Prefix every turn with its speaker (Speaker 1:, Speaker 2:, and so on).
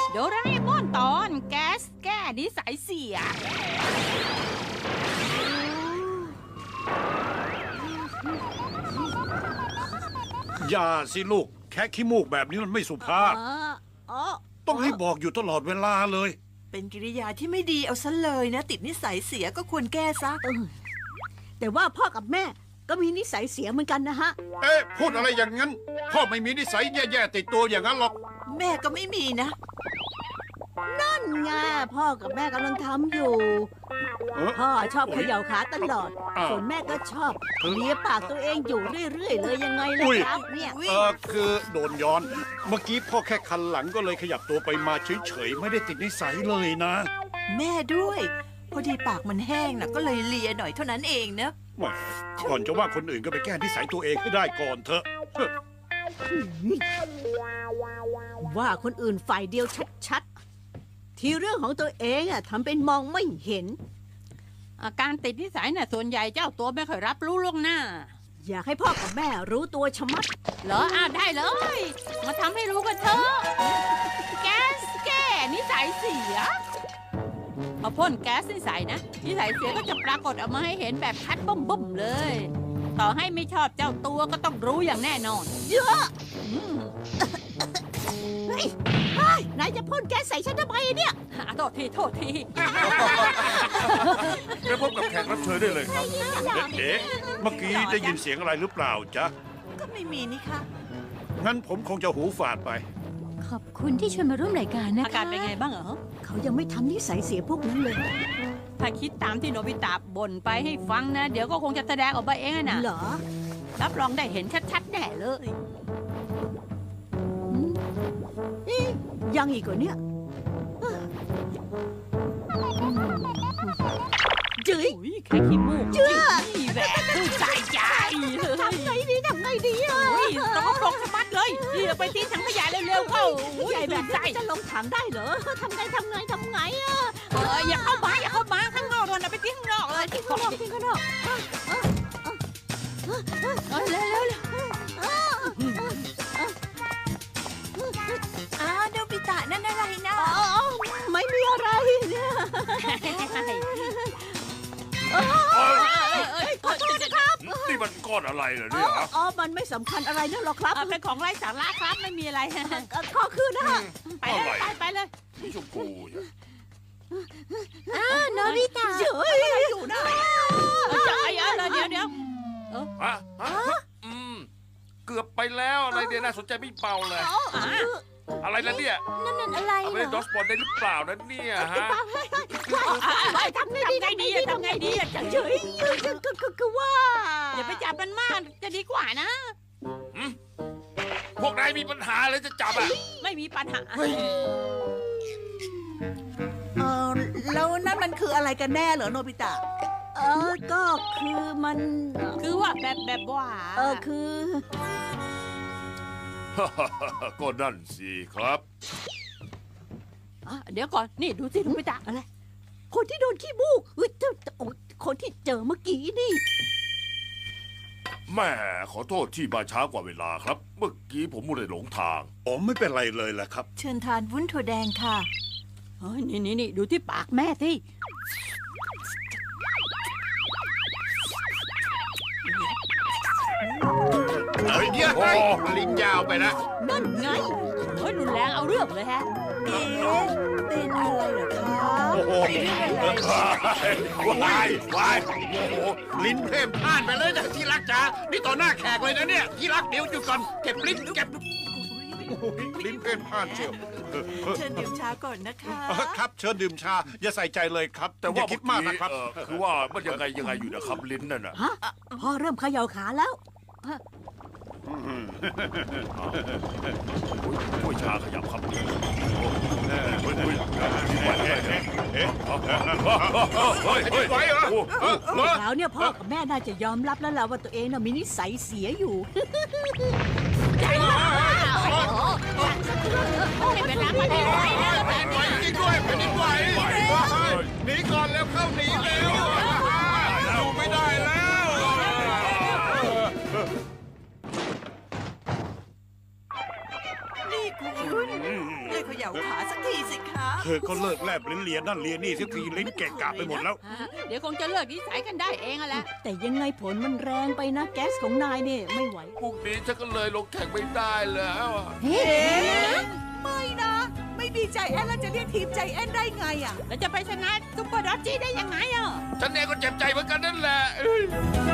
Speaker 1: โดราเอมอนตอนแก๊สแก้นิสัยเสีย
Speaker 2: อย่าสิลูกแค่ขี้มูกแบบนี้มันไม่สุภาพต้องให้บอกอยู่ตลอดเวลาเลย
Speaker 3: เป็นกิริยาที่ไม่ดีเอาซะเลยนะติดนิสัยเสียก็ควรแก้ซะ
Speaker 4: แต่ว่าพ่อกับแม่ก็มีนิสัยเสียเหมือนกันนะฮะ
Speaker 2: เอ๊ะพูดอะไรอย่างนั้นพ่อไม่มีนิสัยแย่ๆติดตัวอย่างนั้นหรอก
Speaker 3: แม่ก็ไม่มีนะ
Speaker 4: นั่นไงพ่อกับแม่กำลังทำอยู่ พ่อชอบเขย่าขาตลอด ส่วนแม่ก็ชอบเลียปากตัวเองอยู่เรื่อยๆเลยยังไงล่ะครับเนี่ย
Speaker 2: คือโดนย้อนเมื่อกี้พ่อแค่คันหลังก็เลยขยับตัวไปมาเฉยๆไม่ได้ติดนิสัยเลยนะ
Speaker 3: แม่ด้วยพอดีปากมันแห้งนะก็เลยเลียหน่อยเท่านั้นเองนะ
Speaker 2: แหมก่อนจะว่าคนอื่นก็ไปแก้นิสัยตัวเองให้ได้ก่อนเถอะ
Speaker 4: ว่าคนอื่นฝ่ายเดียวชัดๆที่เรื่องของตัวเองอะทำเป็นมองไม่เห็น
Speaker 1: อาการติดนิสัยน่ะส่วนใหญ่เจ้าตัวไม่ค่อยรับรู้ล่วงหน้า
Speaker 4: อยากให้พ่อกับแม่รู้ตัวชะมัด
Speaker 1: เหรอได้เลย มาทำให้รู้กันเถอะแก๊สแก้นิสัยเสียพอพ่นแก๊สนิสัยนะนิสัยเสียก็จะปรากฏออกมาให้เห็นแบบชัดบุ้มๆเลย ต่อให้ไม่ชอบเจ้าตัวก็ต้องรู้อย่างแน่นอน
Speaker 4: เยอะเฮ้ยนายจะพ่นแก๊สใส่ฉันทำไมเนี่ย
Speaker 1: โทษที
Speaker 5: ไปพบกับแขกรับเชิญได้เลยครับ
Speaker 2: เอ๊ะเมื่อกี้ได้ยินเสียงอะไรหรือเปล่าจ๊ะ
Speaker 3: ก็ไม่มีนี่ค่ะ
Speaker 2: งั้นผมคงจะหูฝาดไป
Speaker 6: ขอบคุณที่ชวนมาร่วมรายการนะคะ
Speaker 1: อาการเป็นไงบ้างเหรอ
Speaker 4: เขายังไม่ทำนิสัยเสียพวกนั้นเลย
Speaker 1: ถ้าคิดตามที่โนบิตะบ่นไปให้ฟังนะ เดี๋ยวก็คงจะแสดงออกมาเองนะ
Speaker 4: เหรอ
Speaker 1: รับรองได้เห็นชัดๆแน่เลย
Speaker 4: ยังอีกเหรอเนี่ยจื้ย
Speaker 1: อุ้ยแค่ขี้มูก
Speaker 4: เชื่อ
Speaker 1: นี่แหวกตู้ใจใจเลย
Speaker 4: ทำไงดีอ่ะ
Speaker 1: อุ้ยต้องปลงสะบัดเลยนี่ไปทิ้งถังขยะเร็วๆเข้าอุ้ย
Speaker 4: ใหญ่แบบ
Speaker 1: ใจ
Speaker 4: นี้จะลงถังได้เหรอทำไงอ่ะ
Speaker 1: อย่าเข้ามาข้างนอกเลยนะไปทิ้งข้างนอกเลย
Speaker 4: ทิ้งข้างนอกทิ้งข้างนอก
Speaker 1: เร็ว
Speaker 3: โนบิตะนั่นอะไรนะ
Speaker 4: ไม่มีอะไรเนี่ย ขอโทษนะครับ
Speaker 5: นี่มันก้อนอะไรเหรอเนี่ยฮะ
Speaker 4: มันไม่สำคัญอะไรนั่นหรอกครับ
Speaker 1: เป็นของไร้สาระครับไม่มีอะไร
Speaker 4: ขอคืนนะฮะ
Speaker 1: ไปเลยไปเลย
Speaker 5: สีชมพูเนี่ย
Speaker 6: โนบิตะ
Speaker 4: เจ๋ยอยู่นะ
Speaker 1: เดี๋ยว
Speaker 5: ฮะเกือบไปแล้วอะไรเนี่ยน่าสนใจไม่เบาเลย อะไรนะเนี่ย
Speaker 6: นั่นอะไร
Speaker 5: เอาไป
Speaker 6: เหร
Speaker 5: เล่นดอ
Speaker 6: อ
Speaker 5: สบอลได้หรือเปล่านะเนี่ยฮะ
Speaker 4: ทำไงดีเฉยคือว่า
Speaker 1: อย่าไปจับมันมากจะดีกว่านะ
Speaker 5: พวกนายมีปัญหาเลยจะจับอ่ะ
Speaker 1: ไม่มีปัญหา
Speaker 3: แล้วนั่นมันคืออะไรกันแน่เหรอโนบิตะ
Speaker 4: ก็คือมัน
Speaker 1: คือว่าแบบว่า
Speaker 4: คือ
Speaker 5: ก็นั่นสิครับ
Speaker 1: เดี๋ยวก่อนนี่ดูสิลุงไปตา
Speaker 4: อะไร คนที่โดนขี้มูกคนที่เจอเมื่อกี้นี่
Speaker 5: แม่ขอโทษที่มาช้ากว่าเวลาครับ เมื่อกี้ผมมัวแต่หลงทาง
Speaker 2: ผมไม่เป็นไรเลยแหละครับ
Speaker 3: เชิญทานวุ้นถั่วแดงค่ะ
Speaker 1: นี่ดูที่ปากแม่สิ
Speaker 2: เฮ้ยเดี๋ยวให้ลิ้นยาวไปนะ
Speaker 4: นั่นไง
Speaker 1: เฮ้ยรุนแรงเอาเรื่องเลยฮะ
Speaker 3: เป็นอะไรเหรอคะ
Speaker 2: โอ้โหวายวายโอ้โหลิ้นเพ่มพลาดไปเลยนะที่รักจ๋านี่ต่อหน้าแขกเลยนะเนี่ยที่รักเดี๋ยวหยุดก่อนเก็บลิ้นเก็บโอ้โหลิ้นเพ่มพลาดเชียว
Speaker 3: เชิญดื่มชาก่อนนะคะ
Speaker 2: ครับเชิญดื่มชาอย่าใส่ใจเลยครับ
Speaker 5: แต่
Speaker 2: อย่า
Speaker 5: ว่า
Speaker 2: คิดมากนะครับ
Speaker 5: คือว่ามันยังไงอยู่นะครับลิ้นนั่นน่ะ
Speaker 4: ฮะพ่อเริ่มเขย่าขาแล้ว
Speaker 5: โอ้ยชาขยับครับเฮ้ย
Speaker 2: ไหวเหรอ
Speaker 4: คราวเนี่ยพ่อกับแม่น่าจะยอมรับแล้วล่ะว่าตัวเองน่ะมีนิสัยเสียอยู่
Speaker 1: ให้เวลามาดีไว้นะ
Speaker 2: แผ่นไหวจริงด้วยแผ่นดินไหวหนีก่อนแล้วเข้าหนีเร็วอยู่ไม่ได้แล้ว
Speaker 3: นี่คุณคุณเลิกเขย่าขาสักทีสิคะ
Speaker 7: เธอก็เลิกแลบลิ้นเลียนั่นเลียนี่สักทีลิ้นเกะกะไปหมดแล้ว
Speaker 1: เดี๋ยวคงจะเลิกนิสัยกันได้เองอะแหละ
Speaker 4: แต่ยังไงผลมันแรงไปนะ แก๊สของนายเนี่ยไม่ไหว
Speaker 5: พรุ่งนี้ฉันก็เลยลงแข่งไม่ได้แล้วอะ
Speaker 3: ไม่นะ ไม่มีใจแอนแล้วจะเรียกทีมใจแอนได้ไงอ่ะ
Speaker 1: แล้วจะไปชนะซุปเปอร์ดอจจี้ได้ยังไงอ่ะ
Speaker 5: ฉันเองก็เจ็บใจเหมือนกันนั่นแหละเอ้ย